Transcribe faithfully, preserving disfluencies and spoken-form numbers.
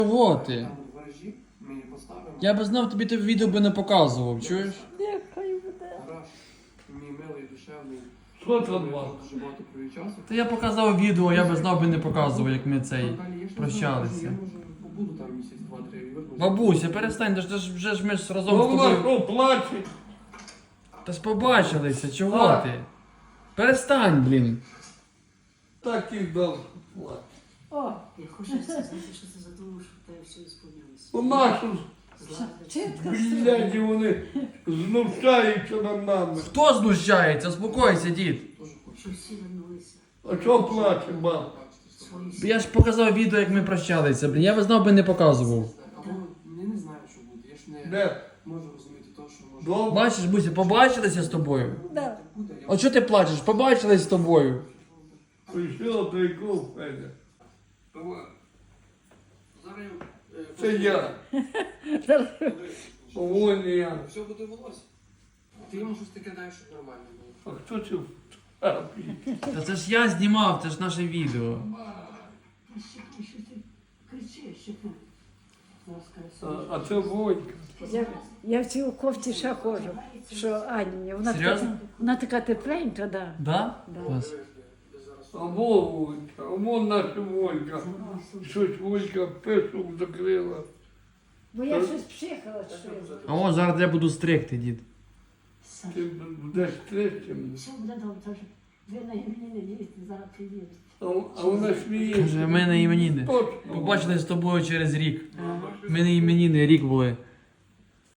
Чого ти? Я би знав, тобі те відео би не показував, чуєш? Нехай буде. Мій милий, душевний. Що там вам? Дуже багато провів часу. Та я показав відео, я би знав би не показував, як ми цей прощалися. Я може побуду там місяць, два-три і вернуся. Бабуся, перестань, та ж вже ж ми ж разом з Вона тобою. що плаче? Та ж побачилися, чого А. ти? Перестань, блін. Так і дав плаче. О, Я хочу сказати, що це за тому, що в тебе все ісповнилося. У нашу чітко бляді вони знущаються над нами. Хто знущається? Успокойся, дід. Що всі вернулися. А що плаче, мам? Свої Я ж показав відео, як ми прощалися, блін. Я би знав би не показував. Або я не знаю, що буде. Я ж не Де? можу розуміти того, що може Добре? Бачиш, Буся, побачилися з тобою? Да. буде. Я А чого ти плачеш? Побачились з тобою. Прийшов до якого Федя. Зараз е, Це я. Поволі я. все буде волосся. Ти йому щось таке даєш, щоб нормально було. А хто це в терапії? Та це ж я знімав, це ж наше відео. що ти кричиш, що ти А, а це Войка. Я, я в цій кофті ще ходжу, що Ані, вона така, Серйозно? вона така тепленька, да. Да? Да. Клас. А во Войка, а вон наша Войка. Щось Войка пишу закрила. Бо я щось пшикала, що я. А о, зараз я буду стригти, дід. Ти будеш третім. все буде добре, тож ви на імені не їдете, зараз приїдете. А, а вона сміється. Каже, ми на іменіни. Точно. Побачились з тобою через рік. Ми на іменіни рік були.